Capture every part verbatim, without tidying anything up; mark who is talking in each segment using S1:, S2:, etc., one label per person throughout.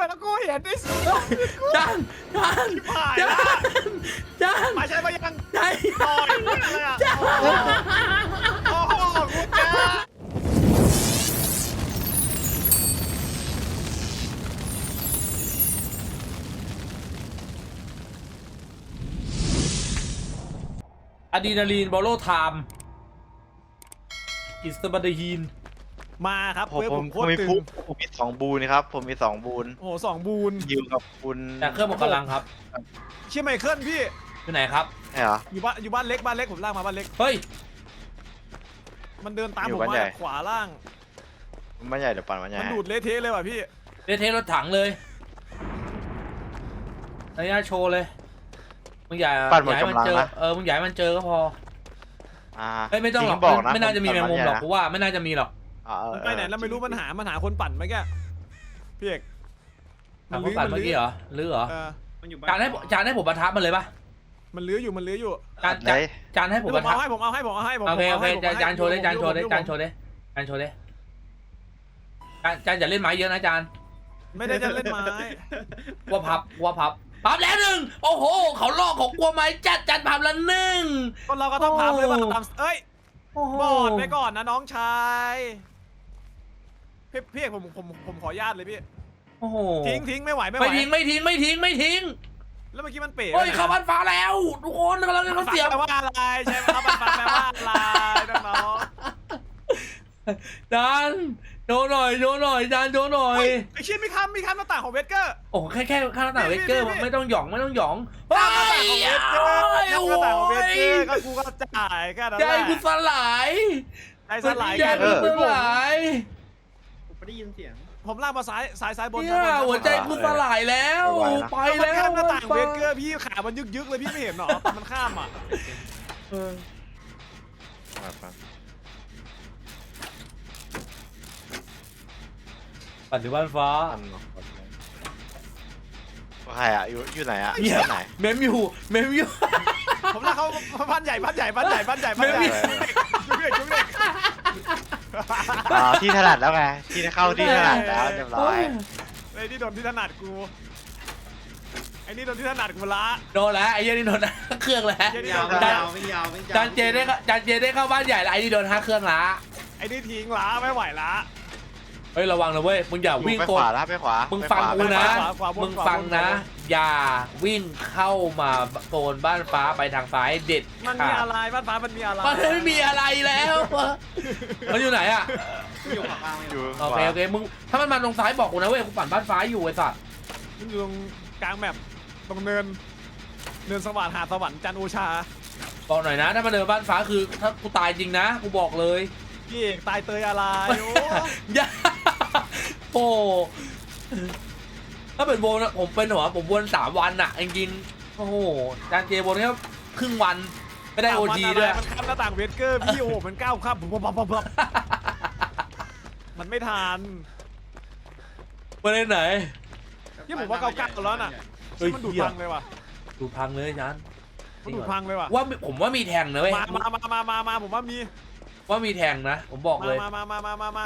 S1: แล้วกูเห็นไอ้สัส
S2: จานจาน
S1: ผ่าน
S2: จา
S1: ละ
S2: นจาน
S1: มาใช่ปะยัง
S2: ใช่
S1: ต่อยอะไรอ่ะโอ้โหกูจ้า
S2: อะดรีนาลีนบอลโลไทม์อิสต์บัตฮีน
S1: มาครับ
S3: ผม
S1: เพื่อ
S3: ผ
S1: ผม มโค
S3: ผม
S1: ตร
S3: มี
S1: ตึ
S3: ฟุ
S1: ง
S3: กผมมีสองบูนครับ ผมมีสองบูน
S1: โอ้โหสองบูน
S3: ยิวกับคุณ
S2: แต่เครื่องหมดกำลังครับ
S1: เชี่ยไมเคิลพี่
S2: อยู่ไหนครับ
S3: ใช่เหรอ
S1: อยู่บ้านอยู่บ้านเล็กบ้านเล็กผมลากมาบ้านเล็ก
S2: เฮ้ย
S1: มันเดินตาม
S3: อยู่
S1: ผม
S3: บ้าน
S1: มา
S3: ใหญ่
S1: ขวาล่าง
S3: มันใหญ่เดี๋ยวปั่นมันใหญ่
S1: มันดูดเละเทะเลยว่ะพี่
S2: เดทเทสรถถังเลยระยะโชว์เลยมึงอย่า
S3: ปั่นหมด
S2: อย่าให้มัน
S3: กำลัง
S2: เจอ
S3: นะ
S2: เออมึงอย่าให้มันเจอก็พอ
S3: อ่า
S2: เฮ้ยไม่ต้องหรอก
S3: ทิ้บอกนะ
S2: ไม่น่าจะมีแมงมุมหรอก
S3: ผ
S2: กู
S3: ปั่น
S2: ว่าไม่น่าจะมีหรอก
S3: อ่าเออ
S1: มันไปไหนแล้วไม่รู้มันหามันหาคนปั่นเมื่อกี้พี่เอก
S2: ถามเขาปั่นเมื่อกี้เหรอหรือเหรอ
S1: เออ
S2: จานให้จานให้ผมประทับมันเลยปะ
S1: มันลื้ออยู่มันลื้ออยู่
S2: จาน
S3: ไหน
S2: จานจานให้ผม
S1: ผ
S2: ประ
S1: ม
S2: ทับ
S1: เอาให้ผมเอาให้ผมเอาให้ผม
S2: โอเคโอเค
S1: ผม
S2: จาน
S1: ให้
S2: จานโชว์เลยจานโชว์เลย
S1: ผม
S2: จานโชว์เลยจานโชว์เลยจานจานอย่าเล่นไม้เยอะนะจาน
S1: ไม่ได้จะเล่นไม้
S2: ว่าพับว่าพับพับแล้วหนึ่งโอ้โหเขาลอกของกลัวไม้จัดจัดพับแล้วหนึ่ง
S1: คนเราก็ต้องพับเลยว่า
S2: โอ้
S1: ตามเอ้ย
S2: โอ้โห
S1: บอดไปก่อนนะน้องชายพี่พี่เอกผมผมผมขออนุญาตเลยพี่
S2: โอ้โห
S1: ทิ้งทิ้งไม่ไหวไม่ไหว
S2: ไม่ทิ้งไม่ทิ้งไม่ทิ้งไม่ทิ้ง
S1: แล้วเมื่อกี้มันเป๋
S2: โอ้ยเข้าบ้านฟ้าแล้ว ทุกคนกำลังเขาเสียบ
S1: แปลว่าอะไรใช่ไหมครับมันแปลว่าอะไรน้อง
S2: จานโชว์หน่อยโชว์หน่อยจานโชว์หน่อ
S1: ๆ
S2: ย
S1: เฮ้ยไอชิ้นมีคำมีคำหน้าต่างของเวสเกอร์
S2: โอ้โหแค่แค่ข้างหน้าต่างเวกเกอร์
S1: นี่นี่
S2: ไม่ต้องหยองไม่ต้องหยอง
S1: ข้ามหน้าต่างของเวสเกอร์
S2: โอ้ย
S1: ข้ามหน้าต่างของเวสเกอร์ก็กูก็จ่ายแค่นั้น
S2: ใจ
S1: แหละ
S2: กูสลาย
S1: ใจสลาย
S2: ใจ
S1: กัน
S2: กูสลาย
S4: ผมไม่ได้ยินเสียง
S1: ผมลากมาซ้ายซ้ายซ้ายบน
S2: เนี่ย
S1: ซ้ายบน
S2: หัวใจกูสลายแล้วไป
S1: มัน
S2: แล้ว
S1: ข้ามหน้าต่างเวสเกอร์พี่ขามันยึกยึกๆเลยพี่ไม่เห็นหรอมันข้ามอ่ะ
S2: เออ
S3: แบบนั้น
S2: ปัจจุบันฟ้า
S3: ปั่นเนอะว่าใครอ่ะอยู่อยู่ไหนอ่ะ
S2: เหี้ย
S3: ที่ไหน
S2: เมมอยู่เมมอยู่
S1: ผมลากเขาบ้านใหญ่บ้านใหญ่บ้านใหญ่บ้านใหญ่บ้านใหญ่
S2: ไม่มี
S1: จุ๊บเด็กจุ๊บเด็ก
S3: อ่าที่ถนัดแล้วไงที่เข้าที่ถนัดแล้วเรียบร้อย
S1: ไอ้นี่โดนที่ถนัดกูไอ้นี่โดนที่ถนัดกูละ
S2: โดนแล้วไอ้เหี้ยนี่โดนเครื่องแล้ว
S1: เหี้ยนี่
S4: ยาว
S1: โดน
S4: ไม่
S1: ละ
S4: ยาวไม่ยาวไม่ยาว
S2: จานเจได้เข้าจานเจได้เข้าบ้านใหญ่แล้วไอ้นี่โดนห้าเครื่องละ
S1: ไอ้นี่ทิ้งละไม่ไหวละ
S2: เฮ้ยระวังนะเว้ยมึงอย่าวิ่ง
S3: ไป
S2: โก
S3: ข
S2: น
S3: วาแล้วไปขวา
S2: มึง
S3: ไป
S2: ฟัง
S3: ขวา
S2: กูนะ
S1: ขวาขวาบน
S2: มึง
S1: ขวาบน
S2: ฟังนะ อย่าวิ่งเข้ามาโซนบ้านฟ้าไปทางซ้ายเด็ด
S1: มันมีอะไรบ้านฟ้ามันมีอะไร
S2: มันไม่มีอะไรแล้วมันอยู่ไหนอ่ะ
S4: อยู่ขวากลาง
S3: อยู่
S2: โอเคโอเคมึงถ้ามันมาตรงซ้ายบอกกูนะเว้ยกูปั่นบ้านฟ้าอยู่ไอ้สัส
S1: มันอยู่ตรงกลางแมปตรงเนินเนินสว่างหาดสวรรค์จันทร์โอชา
S2: บอกหน่อยนะถ้ามาเดินบ้านฟ้าคือถ้ากูตายจริงนะกูบอกเลย
S1: พี่เอกตายเตยอะไรโอ้
S2: อย่าโอ้ถ้าเป็นโบนอะผมเป็นหัวผมวนสามวันอะจริงๆโอ้โหจานเจวนแค่ครึ่งวันไม่ได้โอจีด้วย
S1: มันข้ามหน้าต่างเวสเกอร์พี่โอ้มันก้าวข้ามปุ๊บปั๊บปั๊บปั๊บมันไม่ทัน
S2: ประเด็นไหน
S1: นี่ผมว่าเก่าๆแล้วน่ะ
S2: เฮ้ย
S1: มันดูด
S2: เหี้ย
S1: พังเลยว่ะ
S2: ดูพังเลยจาน
S1: มันดูดพังเลยว่ะ
S2: ว่าผมว่ามีแทงนะเว้ย
S1: มามามามามามาผมว่ามี
S2: ว่ามีแทงนะผมบอกเลย
S1: มามามามามามา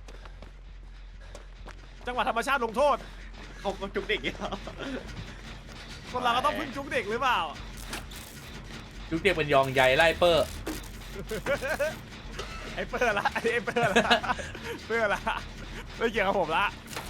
S1: จังหวะธรรมชาติลงโทษ
S4: เขามาจุกเด็กอีกแล้ว
S1: คนเราก็ต้องพึ่งจุกเด็กหรือเปล่า
S2: ยุคเด็กเป็นยองใหญ่ไล่เปอร์
S1: ไอ้เปิดละไอ้เปิดละเปิดละไม่เกี่ยวกับผมละ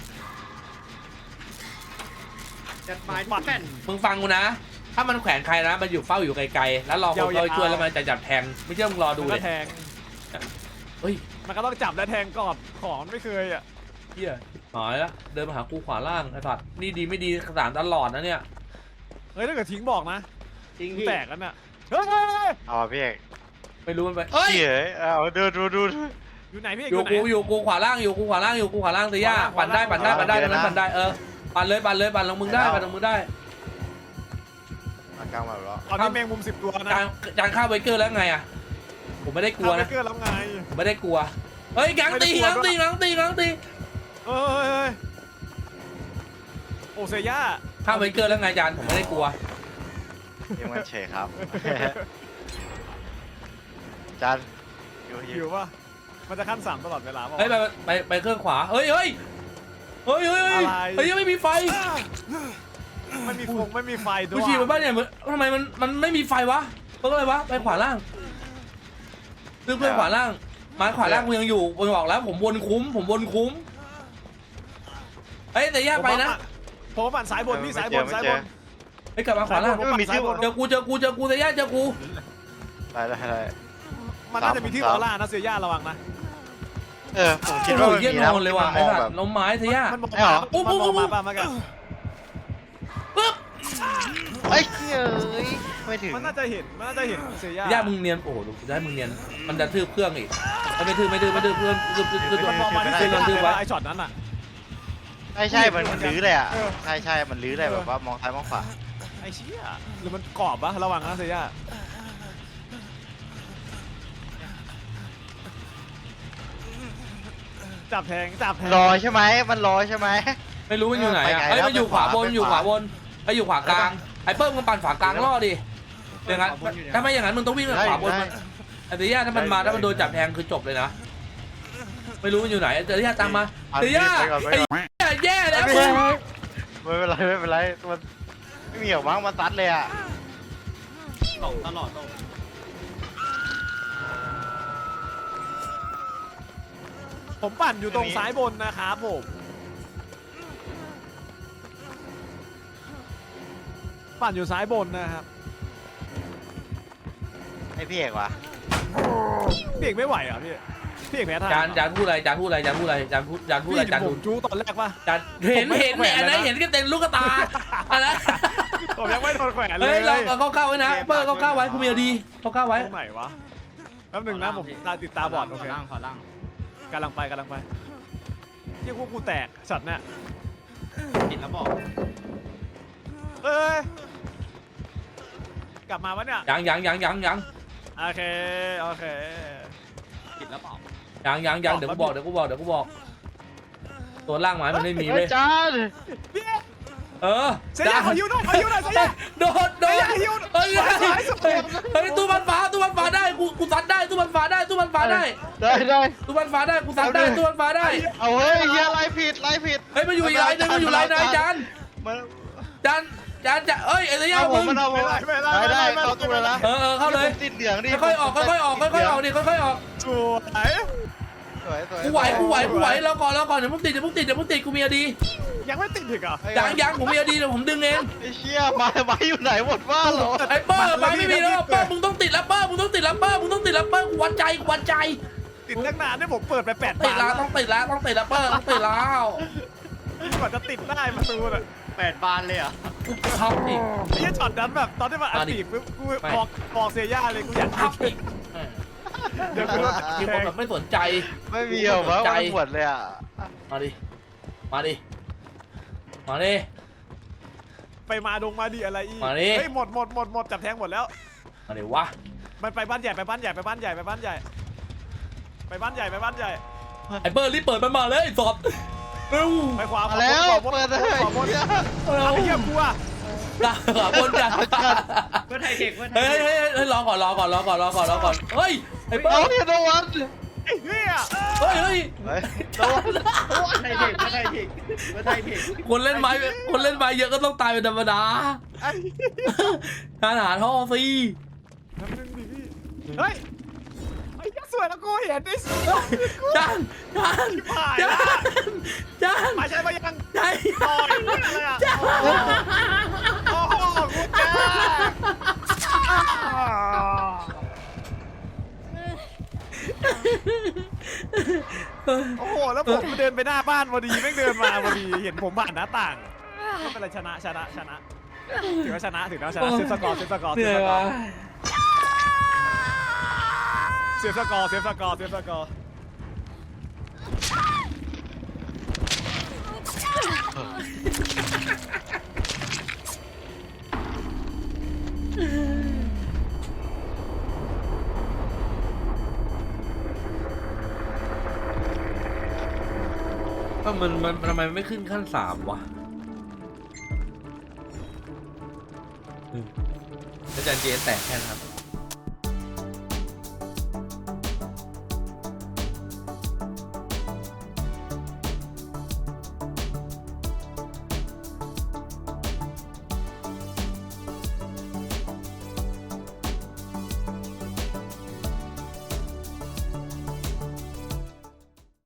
S4: จัดไม้ทุกแผ่น
S2: มึงฟังกูนะ ถ้ามันแขวนใครนะมันอยู่เฝ้าอยู่ไกลๆแล้วรอคนเข้าไปช่วยแล้วมันจะจับแทงไม่เชื่อมึงรอดู
S1: มัน
S2: เล
S1: ก็
S2: ย
S1: แทง
S2: เฮ้ย
S1: มันก็ต้องจับและแทงก่อนของไม่เคยอ่ะ
S2: เฮียหายละเดินมาหากูขวาล่างไอ้สัตว์นี่ดีไม่ดีสารตลอดนะเนี่ย
S1: เฮ้ยถ้าเกิดทิ้งบอกนะ
S4: จริง
S1: กู
S4: พี่
S1: แตกกันน่ะเฮ้ยเฮ้ยเฮ้ย
S3: เอาอ่ะพี่เอก
S2: ไม่รู้มันไปเอ้ย
S3: เหี้ยเอาดูดูดูดู
S1: อยู่ไหนพี่
S2: อ
S1: อยู่ ยู่ไหน
S2: กูอยู่กูขวาล่างอยู่กูขวาล่างอยู่กูขวาล่างเตีย่า
S1: ขวาล่าง
S2: ปั่นได้ปั่นได้
S1: ขวาล่าง
S2: ปั่นได้ตรงนั้นปั่นได้เออปั่นเลยปั่นเลยปั่นลงมึงได้ปั่นลงมึงได้
S3: มากลางมาแล้ว
S1: ตอนนี้แมงมุมสิบตัวนะ
S2: จานจานฆ่าไวเกอร์แล้วไงอ่ะผมไม่ได้กลัว
S1: ทำไป
S2: นะ
S1: เกินแล้วไง
S2: ผมไม่ได้กลัวเฮ้ยกังตีกังตีกังตีกังตี
S1: เฮ้ยเฮ้ยโอเซย่า
S2: ฆ่าไวเกอร์แล้วไงจานผมไม่ได้กลัว
S3: ยังมันเฉยครับจานอยู่อ
S1: อยู่ ยู่ป่ะมันจะขั้นสามตลอดเวลาป่ะ
S2: เฮ้ยไปไปไปเครื่องขวาเฮ้ยเฮ้ยเฮ้ยเฮ้ย
S1: อะไร
S2: เฮ้ยยังไม่มีไฟ
S1: ไม่มีฟงไม่มีไฟด้
S2: กู
S1: วย
S2: ฉีดไปบ้านเนี่ยมันทำไมมันมันไม่มีไฟวะเพราะอะไรวะไปขวาล่างลึกไปขวาล่างไม้ขวาล่างกูยังอยู่ผมบอกแล้วผมวนคุ้มผมวนคุ้มเอ้ยแต่ย่าไปนะ
S1: ผมปั่นสายบนพี่สายบนสายบน
S2: ไปกลับมาขวาล่าง
S1: ผมปั่นสายบน
S2: เจอกูเจอกูเจอกูแต่ย่าเจอกู
S3: ได้ได้ได้
S1: มันน่าจะมีที่ออร่านะเสียย่าระวังนะ
S3: เออผมคิด
S2: โอ้
S3: ว่า
S2: โห
S3: มัน
S2: เยี่ย
S3: มี
S2: น
S3: นะ
S2: อนเลยว่ะ
S3: มั
S2: ไอ้
S3: นมอง
S2: สัต
S3: แบบ
S2: ว์ล้มไม้แต่ย่า
S1: มันมอง
S3: ไม่เหรอ
S1: มันมองมาป่ะมันก็
S2: ปึ๊บ
S3: เฮ้ยเอ้ยไม่ถึง
S1: มันน่าจะเห็นมันน่าจะเห็นเสียย่า
S2: ย่ามึงเนียนโอ้โหดูได้มึงเนียนมันจะทืบเครื่องอีกมันไม่ทืบไม่ทืบไม่ทืบเพื่อนทืบทืบทืบ
S1: มันมองมาที่เสียย่าเลยไอ้ช็อตนั้นอ่ะ
S3: ใช่ใช่มันมันลื้อเลยอ่ะใช่ใช่มันลื้อเลยแบบว่ามองซ้ายมองขวา
S1: ไอ้เชี่ยหรือมันกรอบปะระวังนะเสียย่าจับแทงจับแทง
S3: รอใช่ไหมมันรอใช่ไหม
S2: ไม่รู้มันอยู่ไหนอ่ะ
S3: ไปไง
S2: ไอ้ย
S3: แล้ว
S2: มันอยู่ขวาบน
S3: ไปขวา
S2: อยู่ขวาบนไอ้อยู่ขวากลางไอ้เปิ้ลมึงปั่นขวากลางล่อดิอย่างนั้นถ้าไม่อย่างนั้นมึงต้องวิ่งขวาบนมันไอ้เดียถ้ามันมาถ้ามันโดนจับแทงคือจบเลยนะไม่รู้มันอยู่ไหนเดียตามมาเดียไอ้แย่แล้วมึง
S3: ไม่เป็นไรไม่เป็นไรมันไม่มีหรอกมั้งมันตัดเลยอ่ะ
S4: ตกตลอดตก
S1: ผมปั่นอยู่ตรงซ้ายบนนะครับผมปั่นอยู่ซ้ายบนนะครับ
S3: ไอพี่เอกวะ
S1: พี่เอกไม่ไหวเหรอพี่พี่เอกแพ้ทาง
S2: จานจานพูดอะไรจานพูดอะไรจานพูดอะไรจานพูดจานพูด
S1: พี่
S2: อะไรจาน
S1: ผ
S2: ดู
S1: มจู้ตอนแรกปะ
S2: จานเห็นเห็นเนี่ยอันนั้นเห็นก็เต็มลูกตาอันนั้น
S1: ผมยังไม่โดนแขวนเล
S2: เฮ้
S1: ย
S2: ยเราเอาเข้าๆไว้นะเปิ้ลเข้าๆไว้คุณเมียดีเข้าๆไว้
S1: ตรงไหนวะแป๊บหนึงนะผมตาติดตาบอดโอเค
S4: ขล่างขอล่าง
S1: กำลังไปกำลังไปเที่ยพวกกูแตกสัตว์เนี่ย
S4: ติดแล้วบอก
S1: เอ้ยกลับมาวะเนี่ย
S2: ยังยังยังยังยัง
S1: โอเคโอเค
S4: ติดแล้วบอก
S2: ยังยังยังเดี๋ยวกูบอกเดี๋ยวกูบอกเดี๋ยวกูบอก ตัวล่างไม้มันไม่มี
S3: เฮ้
S2: เว้
S3: ย
S2: ย
S3: จาน
S1: พี่
S2: เออ
S1: เสียยาขอยิ้วหน่อยขอยิ้วหน่อยเสียยา
S2: โดดโดด
S1: เฮ้ยหิว
S2: เฮ้ย
S1: สายสุด
S2: เฮ้ยเฮ้ยตู้มันฟ้าตู้มันฟ้าได้กูกูซัดได้ตู้มันฟ้าได้ตู้มันฟ้าได้
S3: ได้ได้
S2: ตู้มันฟ้าได้กูซัดได้ตู้มันฟ้าได้
S3: เอาเฮ้ยเฮียไล่ผิดไล่ผิด
S2: เฮ้ยมันอยู่อีกไลน์นึงมันอยู่ไลน์ไหนจาน
S3: มัน
S2: จานจานจะเอ้ยไอ้เหี้ย
S3: เอาผ
S2: มึ
S3: ม
S2: ง
S3: มันเอาผม
S1: ไม่ได้
S3: ได้
S1: ไม่ได้
S3: ได้
S1: ไม่ได้
S3: เข้าตู้แล้วนะ
S2: เออเออเข้าเลย
S3: ติดเหลืองดิ
S2: ค่อยๆออกค่อยๆออกค่อยๆออกดิค่อยๆออก
S1: สวย
S3: สวยสวย
S2: กูไหวกูไหวกูไหวแล้วก่อนแล้วก่อนเดี๋ยวมึงติดเดี๋ยวมึงติดเดี๋ยวมึงติดกูมีอดี
S1: ยังไม่ติดอีกเหรอ
S2: ยังยังผมมีอดีเดี๋ยวผมดึงเอง
S3: ไอ้เชี่ยมามาอยู่ไหนหมดบ้านเหรอ
S2: ไอ้เปิ้ลไปไม่มีแล้วเปิ้ลมึงต้องติดแล้วเปิ้ลมึงต้องติดแล้วเปิ้ลมึงต้องติดแล้วเปิ้ลกูวัดใจกูวัดใจ
S1: ติดตั้งนานเนี่ยผมเปิดไปแปด
S2: ติด
S1: บา
S2: แล้ว
S1: ท
S2: ต้องติดแล้วต้องติดแล้วเปิ้ลต้องติดแล้ว
S1: กว่าจะติดได้ประตูน่ะ
S4: แปดบานเลยเหรอ่ะ
S2: พับอีก
S1: ไอ้เหี้ยช็อตนั้นแบบตอนที่มันอัด
S2: มาดิ
S1: ตีปุ๊บกู
S2: ไม่
S1: บอกบอกเซียย่าเลยกูอยาก
S2: พับอีก
S1: เดี๋ยวกูโดน
S2: มี
S1: แท
S2: คน
S1: ง
S2: แบบไม่สนใจ
S3: ไม่มีหรอกมั้งมันปวดเลยอ่ะ
S2: มาดิมาดิมาดิ
S1: ไปมาดงมาดีอะไรอีก
S2: มาดิ
S1: เฮ้ยหมดหมดหมดหมดจับแทงหมดแล้ว
S2: มาดิวะ
S1: มันไปบ้านใหญ่ไปบ้านใหญ่ไปบ้านใหญ่ไปบ้านใหญ่ไปบ้านใหญ่ไปบ้านใหญ่
S2: ไอ้เปิ้ลรีบเปิดมันมาเลยไอ้สดเร็ว
S1: ไปขวา
S3: มาแล้ว
S1: ขวาบน
S3: เปิดเลย
S1: ขวาบน
S3: เหี้ย
S1: เอาไอ้เหี้ยกูอะ
S2: ด่าขวาบนจ้ะ
S4: เพื่อไทยเทคเพื่อไท
S2: เฮ้
S4: ย
S2: ยเฮ้ยเฮ้ยรอก่อนรอก่อนรอก่อนรอก่อนรอก่อนเฮ้ยไอ้เปิ้
S3: เอา
S2: ล
S3: เฮียโดนวัน
S1: ไอ้เหี้ย
S2: เฮ้ยเฮ้ย
S3: เฮ้ยโดน
S4: เพื่อไทยเทคเพื่อไทยเทคเพื่อไทยเทค
S2: คนเล่นไม้คนเล่นไม้เยอะก็ต้องตายเป็นธรรมดา
S1: ไอ้
S2: ทานอาหารท่อฟรี
S1: น้ำหนึ่งดิพี่เฮ้ยไอ้เหี้ยสวยแล้วกูเห็นไอ้สัส
S2: จานจาน
S1: ผ่าน
S2: จา
S1: ละ
S2: นจาน
S1: มาใช่ปะยัง
S2: ใช่
S1: ต่อยอะไรอะโอ้โหกูแกโอ้โหแล้วผมเดินไปหน้าบ้านพอดีแม่งเดินมาพอดีเห็นผมผ่านหน้าต่างไม่เป็นไรชนะชนะชนะถือว่าชนะถือว่าชนะเซฟสกอร์เซฟสกอร์
S2: เห
S1: เซฟ
S2: นื่อ
S1: ส
S2: ย
S1: กอ
S2: วะ
S1: ร์เซฟสกอร์เซฟสกอร์เซฟสกอร์
S2: ก็มันมันทำไมมันไม่ขึ้นขั้นสามวะอาจารย์เจแตกแค่นั้นครับ